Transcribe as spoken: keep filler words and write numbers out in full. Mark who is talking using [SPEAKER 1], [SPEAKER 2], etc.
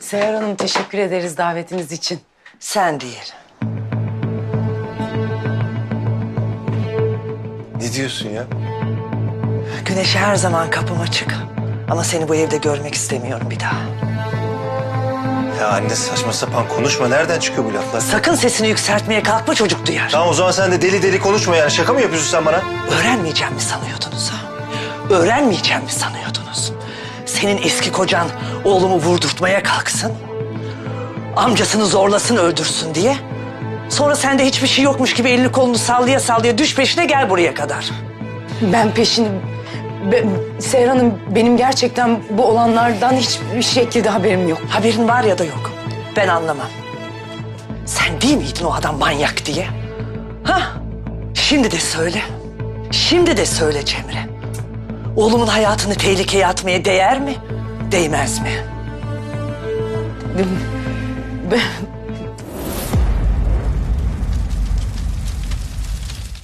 [SPEAKER 1] Seher Hanım, teşekkür ederiz davetiniz için.
[SPEAKER 2] Sen değil.
[SPEAKER 3] Ne diyorsun ya?
[SPEAKER 2] Güneşe her zaman kapım açık. Ama seni bu evde görmek istemiyorum bir daha.
[SPEAKER 3] Ya anne saçma sapan konuşma. Nereden çıkıyor bu laflar?
[SPEAKER 2] Sakın sesini yükseltmeye kalkma, çocuk duyar.
[SPEAKER 3] Tamam o zaman sen de deli deli konuşma yani. Şaka mı yapıyorsun sen bana?
[SPEAKER 2] Öğrenmeyeceğim mi sanıyordunuz ha? Öğrenmeyeceğim mi sanıyordunuz? Senin eski kocan oğlumu vurdurtmaya kalksın. Amcasını zorlasın, öldürsün diye. Sonra sen de hiçbir şey yokmuş gibi elini kolunu sallaya sallaya düş peşine, gel buraya kadar.
[SPEAKER 1] Ben peşini... Be, Seher Hanım, benim gerçekten bu olanlardan hiçbir şekilde haberim yok.
[SPEAKER 2] Haberin var ya da yok. Ben anlamam. Sen değil miydin o adam manyak diye? Ha? Şimdi de söyle. Şimdi de söyle Cemre. Oğlumun hayatını tehlikeye atmaya değer mi? Değmez mi?
[SPEAKER 1] Ben,